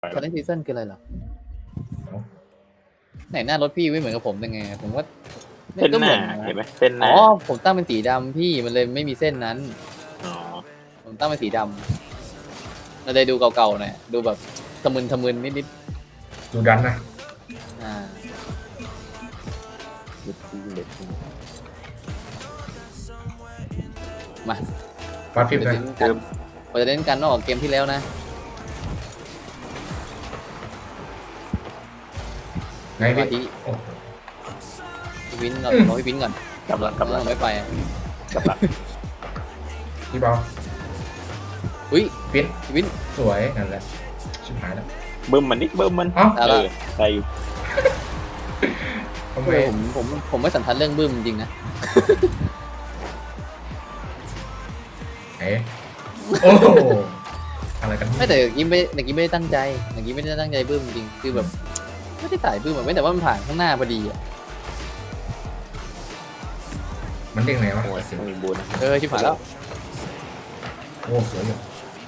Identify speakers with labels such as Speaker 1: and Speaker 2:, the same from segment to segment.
Speaker 1: คอนเทนต์ซีซั่นคืออะไรเหรอไหนหน้ารถพี่ไม่เหมือนกับผมยังไงผมว่า
Speaker 2: เส้น
Speaker 1: ก็
Speaker 2: ห
Speaker 1: เหมื
Speaker 2: น้า
Speaker 1: อนนะ
Speaker 2: เห็นไหมเส้นห
Speaker 1: อ๋
Speaker 2: น้า
Speaker 1: อผมตั้งเป็นสีดำพี่มันเลยไม่มีเส้นนั้น
Speaker 2: อ๋อ
Speaker 1: ผมตั้งเป็นสีดำเราเลยดูเก่าๆหน่อยดูแบบทะมึนนิด
Speaker 3: ดูดันนะ
Speaker 1: ๆมา
Speaker 3: ฟาดฟิปนะ
Speaker 1: เราจะเล่นกันนอกจากเกมที่แล้วนะ
Speaker 3: ไงพี่
Speaker 1: ที่
Speaker 3: โอ้โห
Speaker 1: พี่วินก่อนรอพี่วินก่อน
Speaker 2: กำลังกำลัง
Speaker 1: ไม่ไป
Speaker 2: กำลัง
Speaker 3: พี่เบา
Speaker 1: อุ้ย
Speaker 3: ฟิต
Speaker 1: พี่วิน
Speaker 3: สวยนั่นแหละชิบหายแล้ว
Speaker 2: บึ้มมันนิดบึ้มมัน
Speaker 3: เอ้า
Speaker 1: เอาละ
Speaker 2: ได้อยู่
Speaker 3: ทำไม
Speaker 1: ผมไม่สันทัดเรื่องบึ้มจริงๆนะ
Speaker 3: ไหนโอ้โหอะไรกัน
Speaker 1: ไม่แต่เมื่อกี้ไม่ได้ตั้งใจเมื่อกี้ไม่ได้ตั้งใจบึ้มจริงคือแบบไม่ได้ถ่ายบึ้มอะไม่แต่ว่ามันผ่านข้างหน้าพอดีอ่ะ
Speaker 3: มันเด้งไหนวะ
Speaker 2: โอ้ยไม่มีบูนนะ
Speaker 1: ชิบหายแล้ว
Speaker 3: โอ้สวยอยู่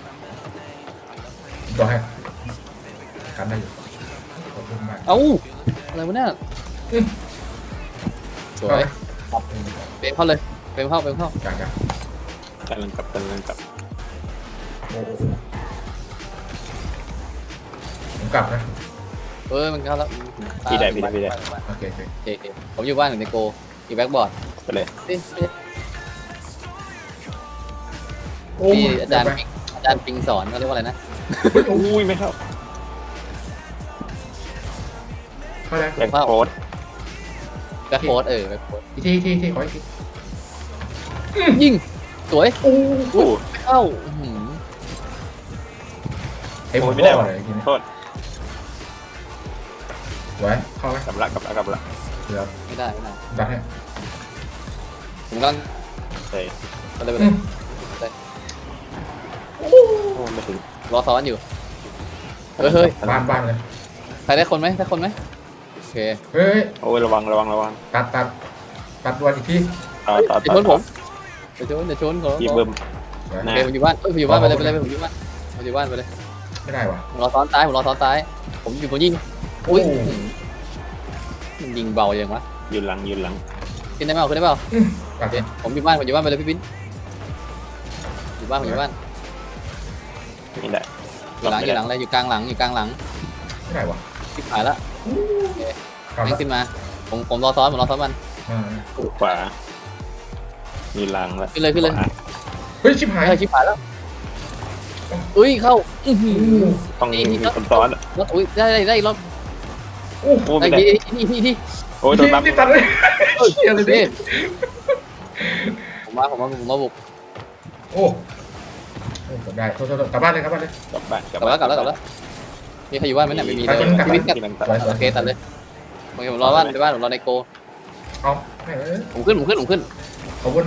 Speaker 3: ต่อให้กันได้อยู่ขอบคุณมาก
Speaker 1: เอ้าอะไรวะเนี่ยสวยเปรมเข้าเลยเปรมเข้า
Speaker 3: จ้าจ้าก
Speaker 2: ำลังกลับ
Speaker 3: โอ้โหผมกลับนะ
Speaker 1: มันเข้าแล้ว
Speaker 2: พี่ได้
Speaker 3: โอเคโอเค
Speaker 1: โอเคผมอยู่บ้านอยู่ในโกอยู่แบ็กบอร์ด
Speaker 2: ไปเลย
Speaker 3: โอ้
Speaker 1: นี่
Speaker 3: ย
Speaker 1: อาจารย์ปิงสอนเขาเรียกว่าอะไรนะ
Speaker 2: อุ้ยไม่เข้า
Speaker 3: เข้าแล้ว
Speaker 2: แรงโคตร
Speaker 1: แบ็กโค้ดแบ็กโค้ด
Speaker 3: อีกทีขออีกที
Speaker 1: ยิงสวย
Speaker 3: โอ้
Speaker 2: โอ้
Speaker 1: ไม่เข้าอื้อหือ
Speaker 3: ไอ้ผม
Speaker 2: ไม่ได้
Speaker 3: บอก
Speaker 2: ว่ะ
Speaker 3: เลยทีนี้
Speaker 2: โทษ
Speaker 3: สวยเข้าไหม
Speaker 2: กลับละ
Speaker 3: เดี๋ยว
Speaker 1: ไม่ได้
Speaker 3: ดันให้
Speaker 1: ผมกำลัง
Speaker 2: เฮ้ย
Speaker 1: ไปเลย
Speaker 2: โอ้ไม่ถึง
Speaker 1: รอซ้อนอยู่เฮ้ย
Speaker 3: บ้านเลย
Speaker 1: ใครได้คนไหมโอเค
Speaker 3: เฮ้ย
Speaker 2: โอ้ยระวัง
Speaker 3: ตัดวันอีกที
Speaker 2: ต่อ
Speaker 1: เดี๋ยวชนผมเดี๋ยวชนผม
Speaker 2: พี่บึ้ม
Speaker 3: สวย
Speaker 2: หน้า
Speaker 1: โอเคผมอยู่บ้านผมอยู่บ้านไปเลยผมอยู่บ้านไปเลย
Speaker 3: ไม่ได้ว่ะ
Speaker 1: ผมรอซ้อนซ้ายผมยิงอุ้ยมันยิงเบาอย่างวะ
Speaker 2: ยืนหลัง
Speaker 1: ขึ้นได้เปล่า
Speaker 3: ตัด
Speaker 1: โอเคผมอยู่บ้านไปเลยพี่บินอยู่บ้าน
Speaker 2: นี่ได้
Speaker 1: อยู่หลังเลยอยู่กลางหลัง
Speaker 3: ไม่ได้ว่ะ
Speaker 1: ทิพหายละ
Speaker 3: กลับ
Speaker 1: แม่
Speaker 3: แล้ว
Speaker 1: งขึ้นมาผมรอซ้อนมัน
Speaker 2: ขวามีหลังแล้ว
Speaker 1: ขึ้นเลย
Speaker 3: เฮ้ยชิบหาย
Speaker 1: ชิบหายแล้วอุ้ยเข้าอื้อหือ
Speaker 2: ต้องมีคนซ้อน
Speaker 1: แล้วอุ้ยได้รอบ
Speaker 3: โอ้
Speaker 2: โอ้
Speaker 1: ได้
Speaker 2: ไม่ได้
Speaker 1: ที่
Speaker 2: โอ้ยโดนบัฟ
Speaker 3: ที่ตัดเลยเชี่ยเลยดิ
Speaker 1: ผมมาบุก
Speaker 3: โอ้กลับได้โทษกลับบ้านเลย
Speaker 2: กลับบ้าน
Speaker 1: กลับแล้วมีใครอยู่บ้านไหมเนี่ยไม่มีเลยพี่วินกับโอเคตัดเลยผมรอบ้านผมรอในโก
Speaker 3: เอา
Speaker 1: ผมขึ้น
Speaker 3: ขอบคุณนะ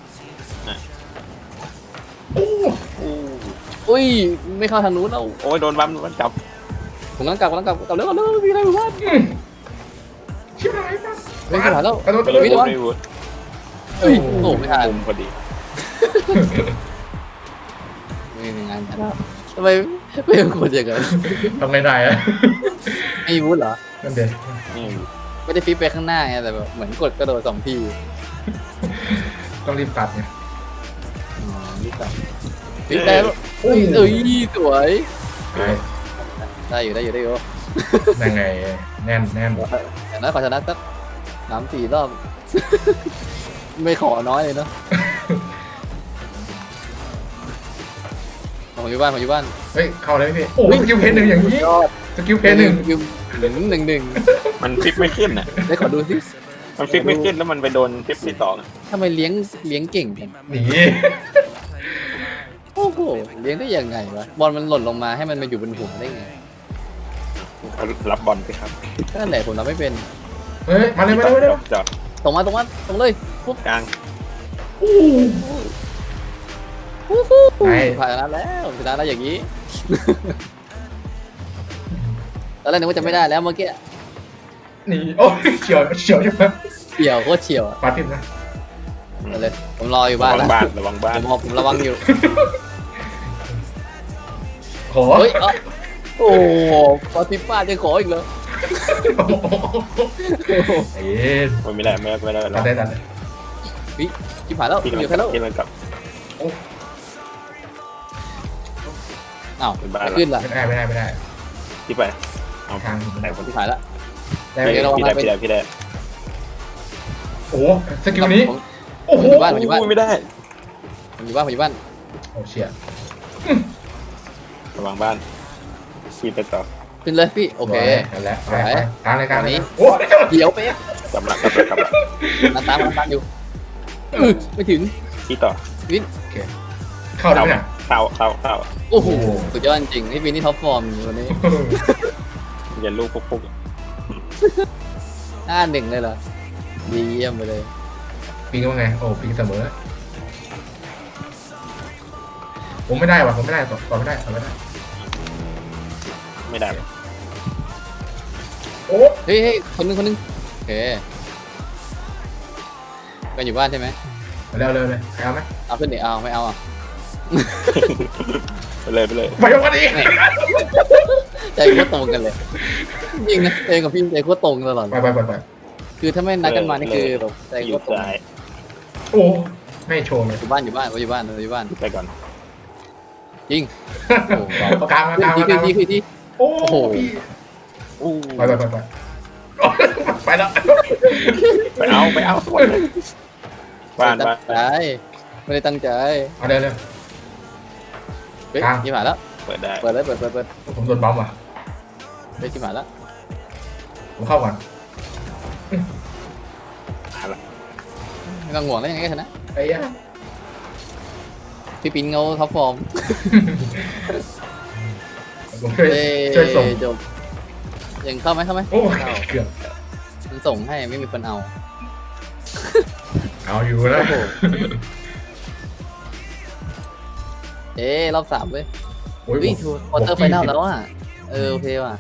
Speaker 1: อุ้ยไม่เข้าทางนู้นแล้ว
Speaker 2: โอ้ยโดนบัฟมันจับ
Speaker 1: ผมกำลังกลับแล้วมีอะไรอยู่บ้าน
Speaker 3: ชิบหาย
Speaker 1: ไม่ผ่านแล้ว
Speaker 3: กระโดด
Speaker 2: ไม่รู้
Speaker 1: เฮ้ยโอ้ไม่ทัน
Speaker 2: มุมพอดี
Speaker 1: ไม่มีงานทำไมไม่เป็นคนอย่างนั้น
Speaker 3: ทำไงได้อะ
Speaker 1: ไม่วุ้นเหรอ
Speaker 3: นั่นเด็
Speaker 2: นี่
Speaker 1: ไม่ได้ฟิปไปข้างหน้าไงแต่แบบเหมือนกดกระโดด2 ที
Speaker 3: ต้องรีบตัดไง
Speaker 1: นี่ต่อฟิปได้แล้วสวย ได้อยู่
Speaker 3: ยังไงแน่น
Speaker 1: อย่างนั้นขอชนะสัก3-4 รอบ ไม่ขอน้อยเลยเนาะผมอยู่บ้าน
Speaker 3: เฮ้ยเข้าเลยพี่โอ้สกิลเพนหนึ่งอย่างนี้สกิลเพนหนึ่ง
Speaker 2: มันฟิกไม่ขึ้นอ่ะ
Speaker 1: ได้ขอดูสิ
Speaker 2: มันฟิกไม่ขึ้นแล้วมันไปโดนฟิปที่สอง
Speaker 1: ทำไมเลี้ยงเก่งจัง
Speaker 3: หนี
Speaker 1: โอ้โหเลี้ยงได้ยังไงวะบอลมันหล่นลงมาให้มันมาอยู่บนหัวได้ไง
Speaker 2: รับบอลสิครับ
Speaker 1: นั่นแหละผมทำไม่เป็น
Speaker 3: เฮ้ยมาเลย
Speaker 2: จอด
Speaker 1: ตรงเลยปุ๊บ
Speaker 2: กลาง
Speaker 1: ผ่านแล้วชนะแล้วอย่างนี้ ตอนแรกนึกว่าจะไม่ได้แล้วเมื่อกี้
Speaker 3: หนีโอ้เฉียวใช่ไหม
Speaker 1: เฉียวโคตรเฉียว
Speaker 3: ปาทิมนะ
Speaker 1: เลยผมรออยู่บ้านแล้ว
Speaker 2: ระวังบ้าน
Speaker 1: ผมระวังอยู่
Speaker 3: ขอ
Speaker 1: เฮ้ย
Speaker 2: โอ้
Speaker 1: โอ้ปาติป้าจะขออีกเหรอ
Speaker 3: ไอ้เอ็น
Speaker 2: มันไม่ได้ไม่ได้ไม่ได้
Speaker 3: ตัดได้ตัดได้
Speaker 1: วิชิบหายแล้ว
Speaker 2: พี่กำ
Speaker 1: อ
Speaker 2: ลัง
Speaker 1: ยู่
Speaker 2: กลั
Speaker 1: แค่แล้ว
Speaker 2: บพี่กำลังกลับ
Speaker 1: อ้าว
Speaker 2: เป็นบ้าน
Speaker 1: ไม่
Speaker 2: ละ
Speaker 1: ขึ้นล่ะ
Speaker 3: ไม่ได้
Speaker 2: พี่ไปเอา
Speaker 3: ทาง
Speaker 2: ไหนคน
Speaker 1: ชิ
Speaker 2: ที่
Speaker 1: บหายแล้ว
Speaker 3: ได้
Speaker 1: เดี๋ยวเรา
Speaker 2: พี่ได้พี่ได้พี่ได้
Speaker 3: โอ้โหสกิลนี้
Speaker 1: ผม
Speaker 3: โอ้โห
Speaker 1: บ้านผมอยู่บ้าน
Speaker 2: ไม่ได้
Speaker 1: ผมอยู่บ้านผมอยู่บ้าน
Speaker 3: โอ้เชี่ย
Speaker 2: ระวังบ้านพี่ไปต่อ
Speaker 1: ขึ้นเลยพี่โอเค
Speaker 3: กันแล้วไปทางรายการ
Speaker 1: นี้
Speaker 3: โอ้ย
Speaker 1: เดี๋ยวเป๊ะ
Speaker 2: กลับละ
Speaker 1: นันตามอยู่ไม่ถึง
Speaker 2: พี่ต่อ
Speaker 3: เข้าได้ไหม
Speaker 2: เข้า
Speaker 1: โอ้โหสุดยอดจริงพี่วินนี่ท็อปฟอร์มวันนี้
Speaker 2: อย่าลูกปุ๊ก
Speaker 1: 1เลยเหรอดีเยี่ยมไปเลย
Speaker 3: ปิงว่าไงโอ้ปิงเสมอผมไม่ได้ว่ะผมไม่ได้ต่อไม่ได้
Speaker 2: ไม่ได้
Speaker 3: โอ้
Speaker 1: เฮ้ยคนนึงโอเคกันอยู่บ้านใช่ไหม
Speaker 3: เร็วเลยเอาไหม
Speaker 1: เอาขึ้นดิเอาไม่เอาอ่ะ
Speaker 2: ไปเลย
Speaker 3: ไปยกกันอีก
Speaker 1: ใจโคตรตรงกันเลยจริงนะเองกับพี่ใจโคตรตรงตลอด
Speaker 3: ไป
Speaker 1: คือถ้าไม่นัดกันมานี่คือแบบใจ
Speaker 2: อ
Speaker 1: โค
Speaker 2: ยู่
Speaker 1: ตรตรง
Speaker 2: ซ้าย
Speaker 3: โอ้ไม่โชว์เลย
Speaker 1: อยู่บ้าน
Speaker 2: ไปก่อน
Speaker 1: จริงโอ้โห
Speaker 3: กลางมา
Speaker 1: ที่
Speaker 3: โอ้
Speaker 1: โอ้โห
Speaker 3: ไปไปแล้ว
Speaker 2: ไปเอาบ้าน
Speaker 1: ตั้งใจไม่ได้ตั้งใจ
Speaker 3: เอาเร็ว
Speaker 1: เฮ้ยชิบหายแล้ว
Speaker 2: เปิดได้
Speaker 1: เปิดเลย
Speaker 3: ผมโดนบอมว่ะ
Speaker 1: เฮ้ยชิบหายแล้ว
Speaker 3: ผมเข้าก่อน
Speaker 1: ไม่ต้องห่วงแล้วยังไงก็ชนะ
Speaker 3: ไอ้ยะ
Speaker 1: พี่ปิ๊นเขาท็อปฟอร์ม
Speaker 3: ผมช่วยส่ง
Speaker 1: จบยังเข้าไหม
Speaker 3: โอ้เกือบ
Speaker 1: มันส่งให้ไม่มีคนเอา
Speaker 3: เอาอยู่แล้ว
Speaker 1: รอบ3เว้ย
Speaker 3: โอ้ย
Speaker 1: วิ่งทัวร์ควอเตอร์ไฟนอลแล้วอ่ะโอเคว่ะ